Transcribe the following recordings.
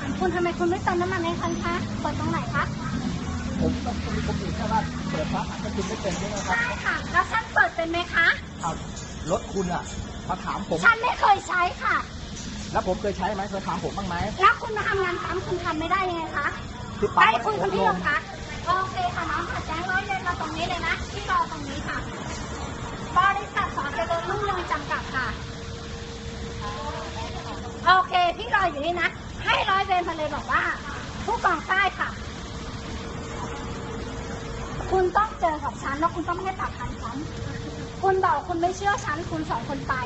คุณทำไมคุณไม่เติมน้ำมันให้ฉันคะเปิดตรงไหนคะผมต้องมีคนอื่นแค่ว่าเปิดฟ้าถ้าคุณไม่เป็นใช่ไหมครับใช่ค่ะแล้วฉันเปิดเป็นไหมคะครับรถคุณอ่ะมาถามผมฉันไม่เคยใช้ค่ะแล้วผมเคยใช้ไหมเคยถามผมบ้างไหมแล้วคุณมาทำงานซ้ำคุณทำไม่ได้ยังไงคะได้คุณที่โรงพักโอเคค่ะน้องค่ะแจ้งร้อยเรียนมาตรงนี้เลยนะที่รอตรงนี้ค่ะบริษัทสอนเจริญรุ่งเรืองจำกัดค่ะโอเคพี่รออยู่นี่นะให้ร้อยเวรมาเลยบอกว่าผู้กองใต้ค่ะคุณต้องเจอกับฉันแล้วคุณต้องให้ปากคำฉันคุณบอกคุณไม่เชื่อฉันคุณสองคนไป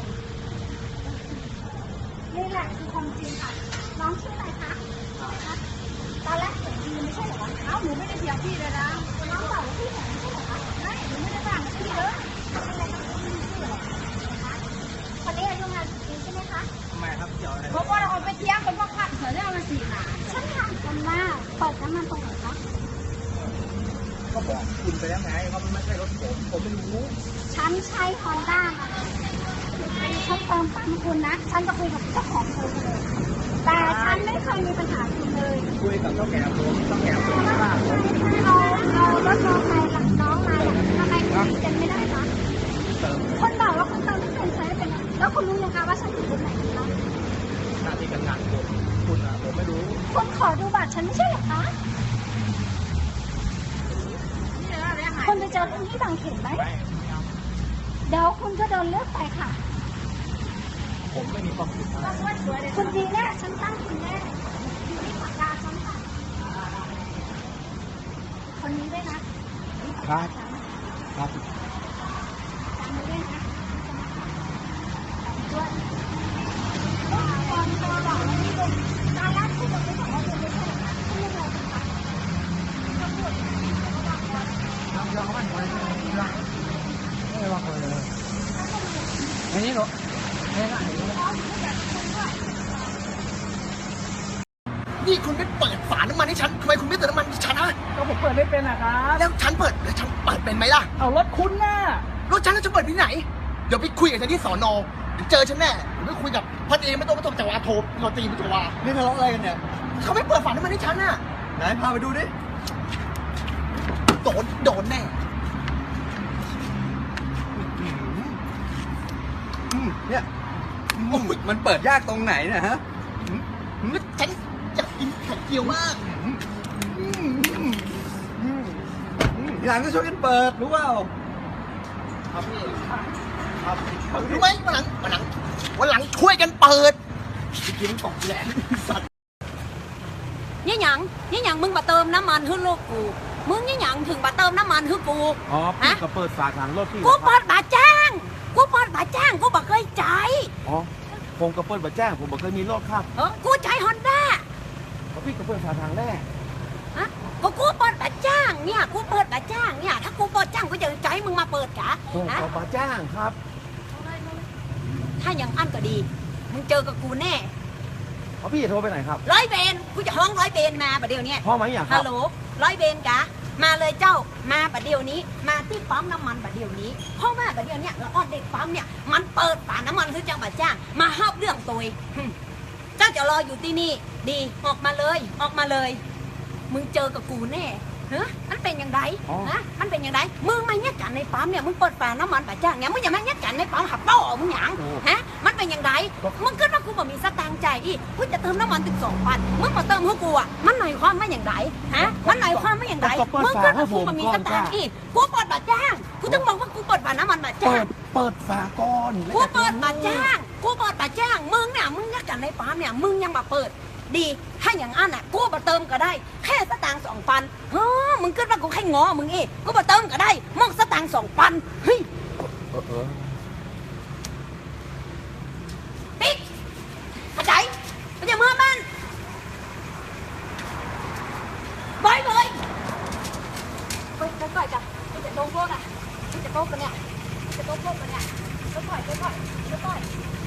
นี่แหละคือความจริงค่ะน้องชื่ออะไรคะตอนแรกเสียงดีไม่ใช่เหรอเอ้าหนูไม่ได้เสียงพี่เลยนะน้องบอกว่าพี่เสียงไม่ใช่เหรอคะไม่หนูไม่ได้ด่าไม่ใช่เลยอะไรนะพี่ชื่ออะไรคะคนนี้อายุงานปีใช่ไหมคะทำไมครับเกี่ยวอะไรเพราะว่าเราไปเที่ยงเป็นพวกขัดเสือได้มาสี่หนาฉันถามกันว่าเปิดน้ำมันตรงไหนคะก็บอกคุณไปแล้วไงว่ามันไม่ใช่รถผมไม่รู้ฉันใช้ฮอนด้าฉันเติมปั๊มคุณนะฉันจะคุยกับเจ้าของคุณเลยแต่ฉันไม่เคยมีปัญหาคุณเลยคุยกับเจ้าแก่ผมไม่ว่าเอารถมอเตอร์ไซค์กับน้องมาทำไมคุณจะไม่ได้คะคนบอกว่าคุณเติมไม่เป็นใช้เป็นแล้วคุณรู้ยังคะว่าฉันอยู่ตรงไหนคะหน้าที่การงานคุณอ่ะผมไม่รู้คุณขอดูบัตรฉันไม่ใช่เหรอคะคุณไปเจอคุณที่บางเขนไหมเดี๋ยวคุณก็โดนเลือกไปค่ะผมไม่มีความผิดอะไรคุณดีแน่ฉันตั้งคุณแน่อยู่ที่ปากกาฉันค่ะคนนี้ด้วยนะครับครับจำไว้ด้วยนะด้วยตอนตัวบอกว่านี่เป็นตอนแรกคุณบอกไม่บอกว่าคุณไม่ใช่หรอคะคุณยังไงคะเขาพูดเราไม่ไหวไม่ว่าคนเลยอันนี้หรอนี่คุณไม่เปิดฝาน้ำมันให้ฉันทำไมคุณไม่เติมน้ำมันให้ฉันนะก็ผมเปิดไม่เป็นอะครับแล้วฉันเปิดเป็นไหมล่ะเอารถคุณน่ะรถฉันจะเปิดที่ไหนเดี๋ยวไปคุยกับฉันที่สอนอเจอฉันแน่ผมไปคุยกับพันเองไม่ต้องจักรวาลโทรเราตีมันจักรวาลนี่ทะเลาะอะไรกันเนี่ยเขาไม่เปิดฝาน้ำมันให้ฉันน่ะไหนพาไปดูดิโดนแน่เนี่ยมันเปิดยากตรงไหนเนี่ยฮะฉันอยากกินไข่เจียวมากหลังก็ช่วยกันเปิดรู้เปล่าครับพี่ครับรู้ไหมวันหลังช่วยกันเปิดกินตกแหลมสัตว์นี่หยังมึงมาเติมน้ำมันให้ลูกกูมึงนี่หยังถึงมาเติมน้ำมันให้กูอ๋อพี่ก็เปิดฝาถังรถพี่กูเปิดบาจ้างกูบอกเคยใจอ๋อผมก็เปิดบาจ้างผมบอกเคยมีรถครับกูใช้ฮอนด้าพี่ก็เปิดฝาถังแรกกูเปิดบาจ้างเนี่ยกูเปิดบาจ้างเนี่ยถ้ากูเปิดจ้างกูจะใจมึงมาเปิดกะผมขอบาจ้างครับถ้าอย่างอันก็ดีมึงเจอกับกูแน่พี่จะโทรไปไหนครับร้อยเบนกูจะห้องร้อยเบนมาประเดี๋ยวนี้พ่อไหมอย่างฮัลโหลร้อยเบนกะมาเลยเจ้ามาประเดี๋ยวนี้มาที่ปั๊มน้ำมันประเดี๋ยวนี้เพราะว่าประเดี๋ยวนี้แล้วเด็กปั๊มเนี่ยมันเปิดฝาน้ำมันคือจังบาจ้างมาห้ามเรื่องตัวเจ้าจะรออยู่ที่นี่ดีออกมาเลยมึงเจอกับกูแน่มันเป็นยังไงมันเป็นยังไงมึงมาแยกกันในปั๊มเนี่ยมึงเปิดฝาน้ำมันบาจ้างเนี่ยมึงอย่ามาแยกกันในปั๊มหับเป้ามึงหยังมันเป็นยังไงมึงคิดว่ากูบ่มีสตางค์ใจอีกกูจะเติมน้ำมันถึง2,000มึงมาเติมให้กูอ่ะมันหมายความว่าอย่างไรมันหมายความว่าอย่างไรมึงคิดว่ากูบ่มีสตางค์อีกกูเปิดบาจ้างกูต้องบอกว่ากูเปิดฝาน้ำมันบาจ้างเปิดฝาก่อนกูเปิดบาจ้างมึงเนี่ยมึงแยกกันในปั๊มเนี่ยมึงยังมาเปิดดีถ้าอย่างนั้นอ่ะกูมาเติมก็ได้แค่สตางค์2,000มึงคิดว่ากูแค่งอมึงอีกกูมาเติมก็ได้มองสตางค์2,000เฮ้ยติ๊กเข้าใจมันจะเมื่อมันบอยไปจ้ะมันจะโต๊ะโต๊ะอ่ะมันจะโต๊ะกันเนี่ยจะโต๊ะกันเนี่ยค่อย